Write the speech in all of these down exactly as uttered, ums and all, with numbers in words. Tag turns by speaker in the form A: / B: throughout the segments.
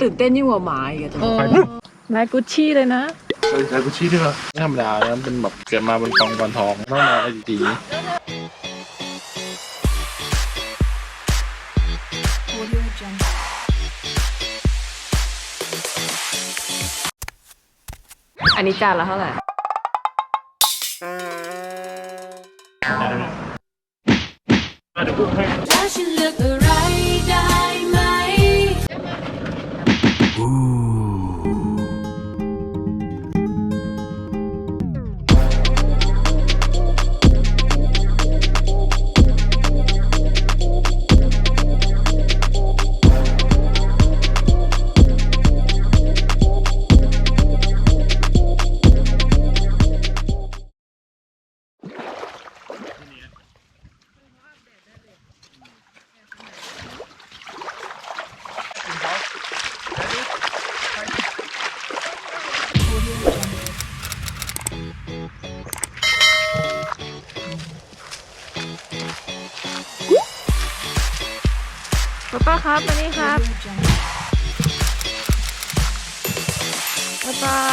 A: ตื่นเต้นยิ่งกว่าหมาอีกอะตัว
B: ลายกุชชี่เลยนะ
C: เออใช้กุชชี่ด้วยเหรอไม่ธรรมดาแล้วเป็นแบบเกิดมาบนกองกรทองต้องมาไอ้จี
A: อันนี้จานละเท่าไหร่
C: เดี๋ยวพูดให้
D: ถ้าฉันเลือกอะไรได้ไหม
B: ป้าป้าครับมานี่ครับป้าป้า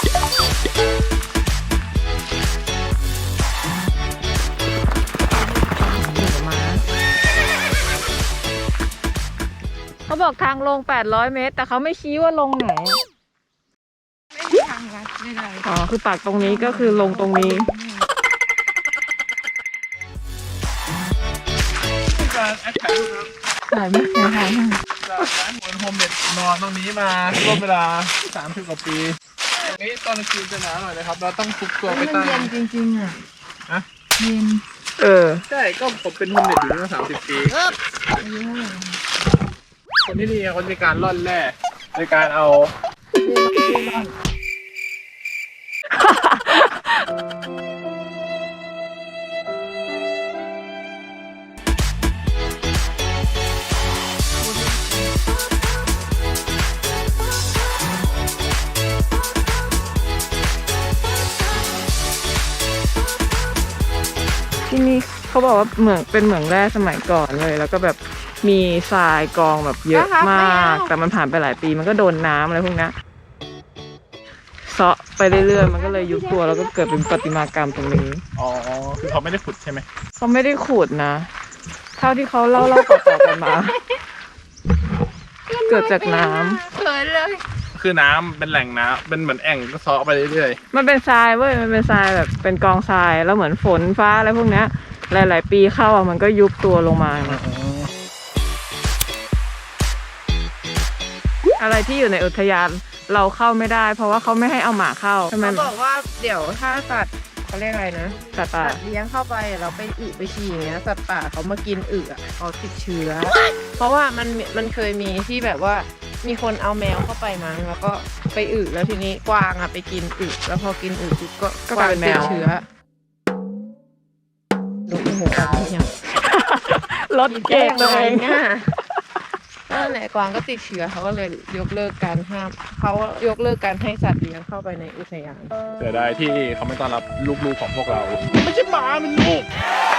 B: เขาบอกทางลงแปดร้อยเมตรแต่เขาไม่ชี้ว่าลงไหนไม่มีทางลัดไม่ได้อ๋อคือปากตรงนี้ก็คือลงตรงนี้
C: การแอคถ่ายรูปครับ
B: ถ่ายไม่เคยถ่ายเลย
C: จากร้านหวนโฮมเด็ดนอนตรงนี้มาร่วมเวลาสามสิบกว่าปีตรงนี้ตอนกลางคืนจะหนาวหน่อยนะครับเราต้องฟุกตัวไปใต้
A: เย็นจริงๆอ่ะ
C: ฮะ
A: เย็น
B: เออ
C: ใช่ก็ผมเป็นโฮมเด็ดอยู่มาสามสิบปีคนที่นี่เขามีการล่อนแร่ในการเอา
B: ที่นี่เขาบอกว่าเหมืองเป็นเหมืองแร่สมัยก่อนเลย แล้วก็แบบมีทรายกองแบบเยอะมาก แต่มันผ่านไปหลายปีมันก็โดนน้ำอะไรพวกนี้เซาะไปเรื่อยๆมันก็เลยยุบตัวแล้วก็เกิดเป็นประติมากรรมตรงนี้
C: อ๋อคือเขาไม่ได้ขุดใช่ไหม
B: เขาไม่ได้ขุดนะ เท่าที่เขาเล่าเล่าต่อๆกันมา เกิดจากน้ำ
A: เขินเลย
C: คือน้ำเป็นแหล่งน้ำเป็นเหมือนแอ่งก็เซาะไปเรื่อย
B: มันเป็นทรายเว้ยมันเป็นทรายแบบเป็นกองทรายแล้วเหมือนฝนฟ้าอะไรพวกนี้หลายๆปีเข้าอ่ะมันก็ยุบตัวลงมา อะไรที่อยู่ในอุทยานเราเข้าไม่ได้ เพราะว่าเขาไม่ให้เอาหมาเข้าใช่ไหม
A: เขาบอกว่าเดี๋ยวถ้าสัตว์เขาเรียกอะไรนะ
B: สัตว์ป่า
A: สัตว์เลี้ยงเข้าไปเราไปอึไปฉี่อย่างเงี้ยสัตว์ป่าเขามากินอึอ่ะเขาติดเชื้อ เพราะว่ามันมันเคยมีที่แบบว่ามีคนเอาแมวเข้าไปมั้งแล้วก็ไปอึแล้วทีนี้กวางอ่ะไปกินอึแล้วพอกินอึปุ๊บก็
B: ก็กลายเป็นแมว
A: ติดเชื้อลงโหกันยัง
B: รถเก่งตัวเอง
A: เนี่ยนั่นแหละกวางก็ติดเชื้อเขาก็เลยยกเลิกการห้ามเขายกเลิกการให้สัตว์เลี้ยงเข้าไปในอุทยาน
C: ๆเสียดายที่เขาไม่ต้อนรับลูกๆของพวกเราไม่ใช่หมามันลูก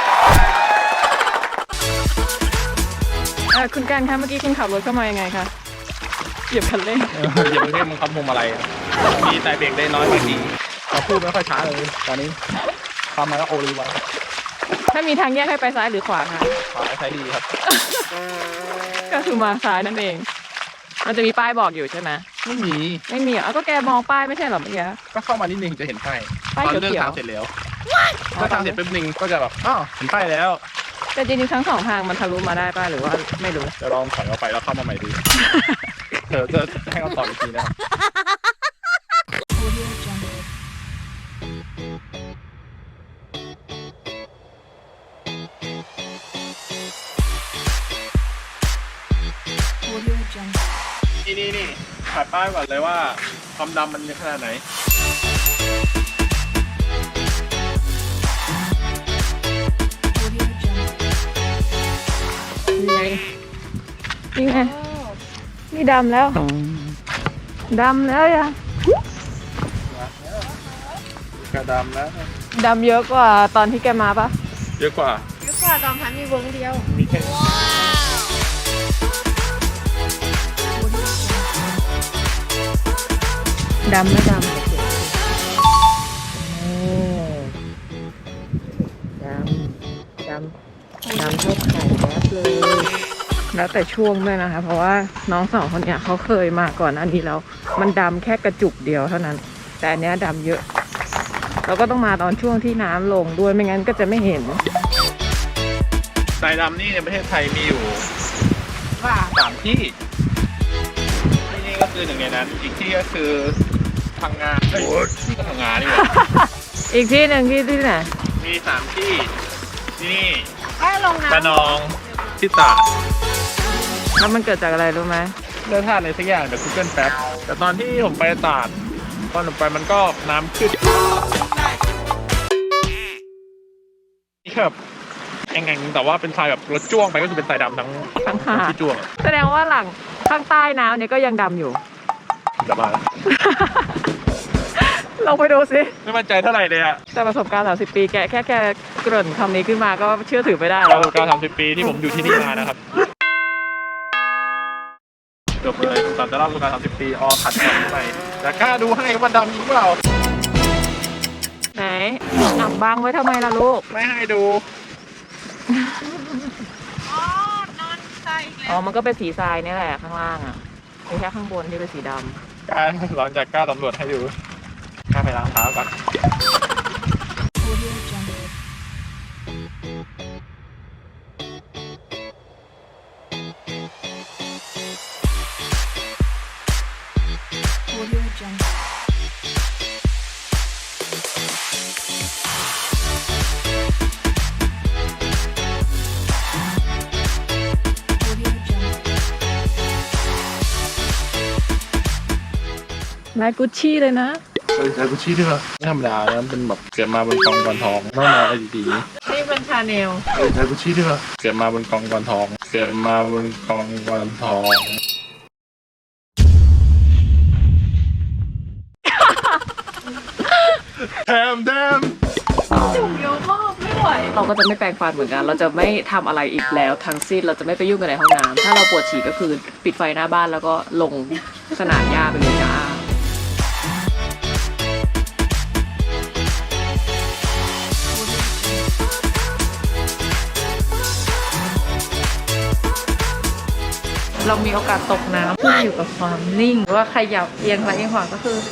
B: เออคุณการคะเมื่อกี้คุณขับรถเข้ามายังไงคะเหยียบคันเร่ง
C: อย่าไปเรียกมันคำพวงมาลัยอะมีแต่เบรกได้น้อยบางทีเราพูดไม่ค่อยช้าเลยตอนนี้ทำมาแล้วโอรีไว้
B: ถ้ามีทางแยกให้ไปซ้ายหรือขวาคะ
C: ขวาใช้ดีครับ
B: ก็คือมาซ้ายนั่นเอง มันจะมีป้ายบอกอยู่ใช่ไหม
C: ไม่มี
B: ไม่มีอ่ะเอาก็แกมองป้ายไม่ใช่เหรอเมื่อกี้
C: ก็เข้ามานิดนึงจะเห็นป้าย
B: ป้าย
C: ตอน
B: เขียวๆ
C: เลือกทางเสร็จแล้วเลือกทางเสร็จแป๊บนึงก็จะแบบอ้าวเห็นป้ายแล้ว
B: แต่จริงๆทั้งสองทางมันทะลุมาได้ป้าหรือว่าไม่รู้
C: จะลองถอยออกไปแล้วเข้ามาใหม่ดูเธอจะให้เขาตอบอีกทีนะครับ นี่นี่นี่ถ่ายป้ายก่อนเลยว่าความดำมันขนาดไหน
B: นี่ไงนี่ดำแล้วดำแล้วยัง
C: กระดำแล้ว
B: ดำเยอะกว่าตอนที่แกมาปะ
C: เยอะกว่า
A: เยอะกว่าตอนพันมีเวิร์กเดียว
C: มีแค่
B: ดำไม่ดำโอ้ดำดำดำเท่าไข่แวบเลย แล้วแต่ช่วงด้วยนะคะ เพราะว่าน้องสองคนเนี้ยเขาเคยมาก่อนอันนี้แล้ว มันดำแค่กระจุกเดียวเท่านั้น แต่อันเนี้ยดำเยอะ เราก็ต้องมาตอนช่วงที่น้ำลงด้วยไม่งั้นก็จะไม่เห็น
C: ทรายดำนี่ในประเทศไทยมีอยู่
A: ว่า
C: สามที่ ที่นี่ก็คือหนึ่งในนั้น อีกที่ก็คือพังงาเอ้ยที่ก็พังงานี่หว่า
B: อีกที่หนึ่งที่ที่ไหน
C: มีสามที่ที่นี่
A: แค่ลงน้ำ
C: ระนองที่ตราด
B: แล้วมันเกิดจากอะไรรู้ไหม
C: เลือกท่าในสักอย่างเดี๋ยว Google แป๊บแต่ตอนที่ผมไปตราดตอนผมไปมันก็น้ำขึ้นนี่แบบแองๆแต่ว่าเป็นทรายแบบรถจ้วงไปก็คือเป็นทรายดำทั้ง
B: ทั้งหาด
C: ที่จ้วงอะ
B: แสดงว่าหลังข้างใต้น้ำเนี่ยก็ยังดำอยู่
C: จะมาแล้ว
B: ลองไปดูสิ
C: ไม่มั่นใจเท่าไหร่เลยอะ
B: แต่ประสบการณ์สามสิบปีแกแค่แค่เกริ่นคำนี้ขึ้นมาก็เชื่อถือไม่ได้
C: ป
B: แล้ว
C: ระสบการณ์สามสิบปีที่ผมอยู่ที่นี่มานะครับจบเลยตอนจะเล่าประสบการณ์สามสิบปีออขัดกันไปแต่กล้าดูให้ว่ามันดำจริงเปล่า
B: ไหนอับบังไว้ทำไมล่ะลูก
C: ไม่ให้ดู
A: อ๋อนอนใส่อีก
B: อ๋
A: แล้
B: อ
A: ว
B: มันก็เป็นสีทรายนี่แหละข้างล่างอ่ะมีแค่ข้างบนที่เป็นสีดำ
C: กล้าหลังจากกล้าตำรวจให้ดูกล้าไปล้างเท้าก่อน
B: ลายกุชชี่เลยนะ
C: เฮ้ยใส่กุชชี่ด้วยเหรอไม่ธรรมดานะเป็นแบบเกิดมาบนกองกอนทองต้องมาอะไรดี
B: นี่เป็นชาแนล
C: ๆเฮ้ยใส่กุชชี่ด้วยเหรอเกิดมาบนกองกอนทอง เกิดมาบนกองกอนทองแถมแถม
A: เยอะมากไม่ไหว
B: เราก็จะไม่แปรงฟันเหมือนกัน เราจะไม่ทำอะไรอีกแล้วทั้งสิ้น เราจะไม่ไปยุ่งกันในห้องน้ำถ้าเราปวดฉี่ก็คือปิดไฟหน้าบ้านแล้วก็ลงสนามหญ้าไปเลยจ้า เรามีโอกาสตกน้ำขึ้นอยู่กับความนิ่งหรือว่าขยับเอียงซ้ายเอียงขวาก็คือ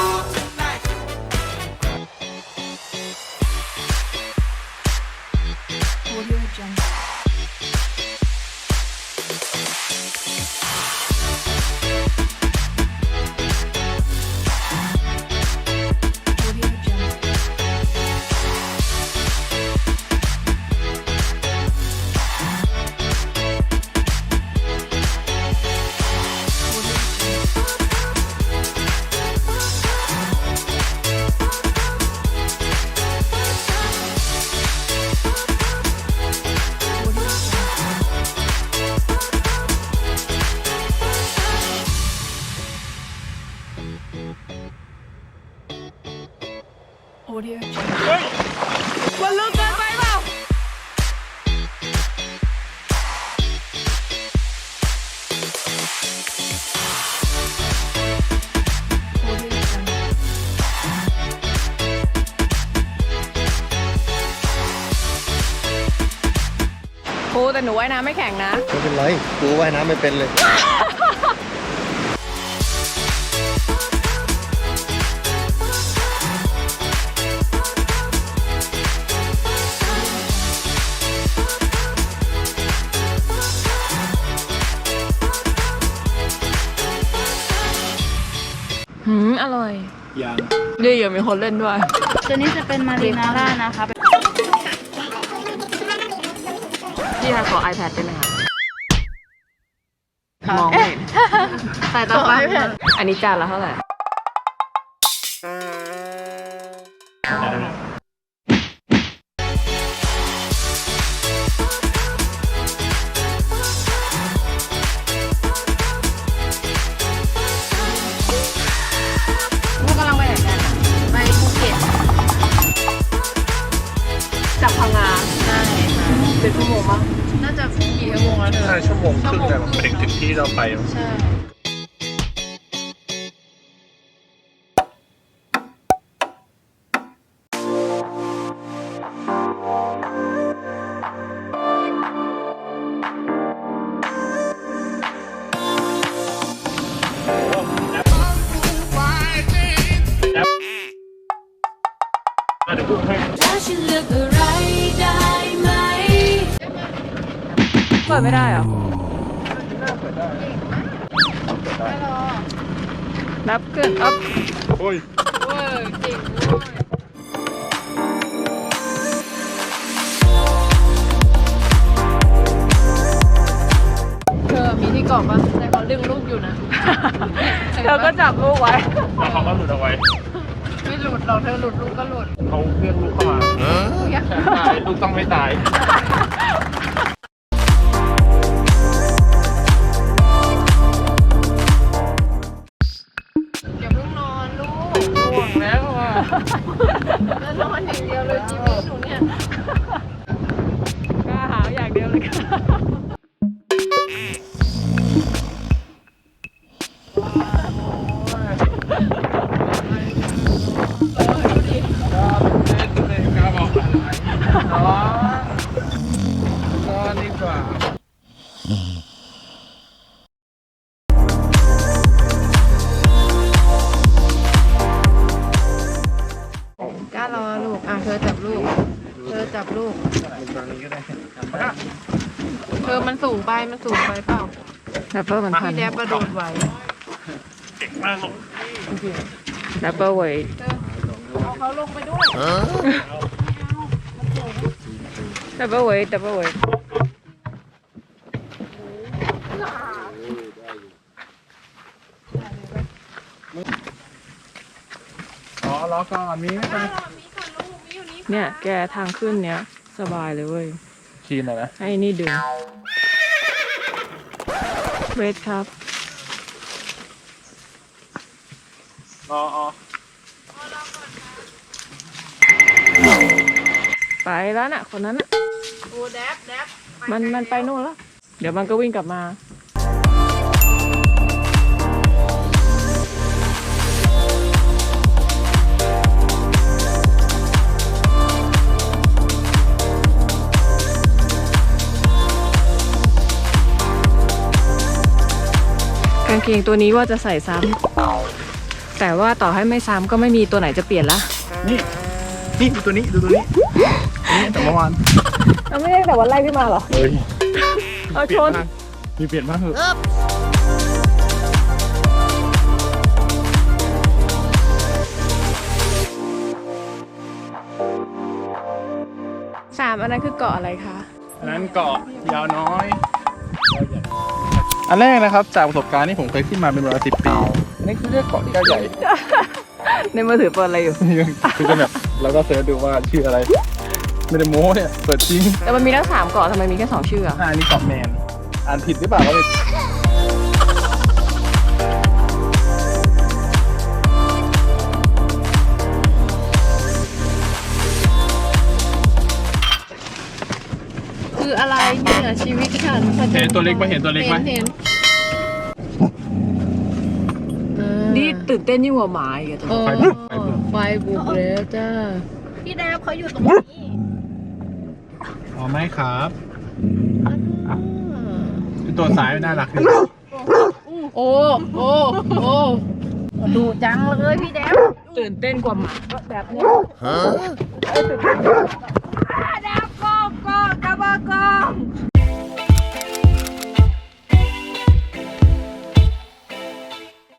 B: มันลึกเกินไปเปล่า ครูแต่หนูว่ายน้ำไม่แข็งนะ
E: ไม่เป็นไรกูว่ายน้ำไม่เป็นเลย
B: หืม อร่อย
C: ยัง
B: ดีอ่ะมีคนเล่นด้วย
F: ตัวนี้จะเป็นมารีนาร่านะคะ
B: พี่คะขอ iPad ได้ไหมคะมองไม่เห็น
A: แต่ต่อไปแผ่น
B: อันนี้จานละเท่าไหร่
A: พวกกำลังไปไหนกันอะไปภูเก็ต
B: จากพังงา
A: ใช่ค่ะ
B: เป็นชั่วโมงมั้ง
A: น่าจะกี่ชั่วโมงแล้วเธอ
C: น่าชั่วโมงครึ่งแต่มันไปถึงถึงที่เราไป
A: ใช่
D: ฉันเลือกอะไรได้ไหม
B: เปิดไม่ได้เหรอนับขึ้นอัพ
C: โอ้ย
A: เว้ยเก่งเว้ยเธอมีที่เกาะปะแต่เขาดึงลูกอยู่นะ
B: เธอก็จับลูกไว้
C: แล้วเขาก็หลุดเอาไว้
A: ไม่หลุดหรอกเธอหลุดลูกก็หลุด
C: เขาเรียกลูกเข้ามาตายลูกต้องไม่ตาย
A: อย่าเพิ่งนอนลูก
C: ห่วงแล้วอ่ะ
A: แล้วนอนอย่างเดียวเลยชีวิตหนูเนี่ย
B: กล้าหาอย่างเดียวเลยค่ะ
C: กล้าบอกอะไรนอนนอนดีกว่า
A: กล้ารอลูก อ่ะเธอจับลูก เธอจับลูก
C: ตรงนี้ก็ได้
A: เธอมันสูงไปมันสูงไปเปล่า
B: แรปเปอร์มันพัน
A: พี่แดบกระโดดไหว
C: เก่งมากลูก
B: แรปเปอร์เวย
A: เอาเขาลงไปด้วย
B: แรปเปอร์เวยแรปเปอร์เวย
C: อ๋อล้อก่อนมีไหม
B: เนี่ยแกทางขึ้นเนี้ยสบายเลยเว้ย
C: คีนหน่อยนะ
B: ให้นี่ดึงเวทครับ
C: อ๋ออ๋อ
B: ไปแล้วน่ะ คนนั้นน่ะ
A: โอ้แดบแดบ
B: มันมันไปนู่นแล้ว เดี๋ยวมันก็วิ่งกลับมา กางเกงตัวนี้ว่าจะใส่ซ้ำแต่ว่าต่อให้ไม่ซ้ำก็ไม่มีตัวไหนจะเปลี่ยนละ
C: นี่นี่ดูตัวนี้ดูตัวนี้นี่แต่เมื่อวาน
B: เราไม่ได้แต่วันไล่ขึ้นมาหรอ
C: เฮ้ย
B: เอาชน
C: มีเปลี่ยนมากเหรอ
B: สามอันนั้นคือเกาะอะไรคะ
C: อันนั้นเกาะยาวน้อย อันแรกนะครับจากประสบการณ์ที่ผมเคยขึ้นมาเป็นเวลาสิบปีอันนี้คือเรียกเกาะที่ใหญ่
B: ในมือถือเปิดอะไรอยู่
C: คือจะแบบแล้วก็เสิร์ชดูว่าชื่ออะไร ไม่ได้โม้เนี่ยเปิดจริง
B: แต่มันมีทั้งสามเกาะทำไมมีแค่สองชื่ออะ
C: อ่านี่เกาะแมนอ่านผิดหรือเปล่าก็ไม่
A: คืออะไรเนี่ยชีวิตฉัน
C: เห็นตัวเล็กไหมเห็นตัวเล็กไหม
A: เห็น
B: นี่ตื่นเต้นยิ่งกว่าหมาอีกอะ
A: เออ
C: ไปบุกไปบุก
A: ไฟบุกแล้วจ้า
F: พี่แดบเขาอยู่ตรงนี้
C: อ๋อไม่ครับคือตัวซ้ายน่ารักดี
A: โอ้โอ้โอ้ดูจังเลยพี่แดบ
B: ตื่นเต้นกว่าหมาแบบเนี้ย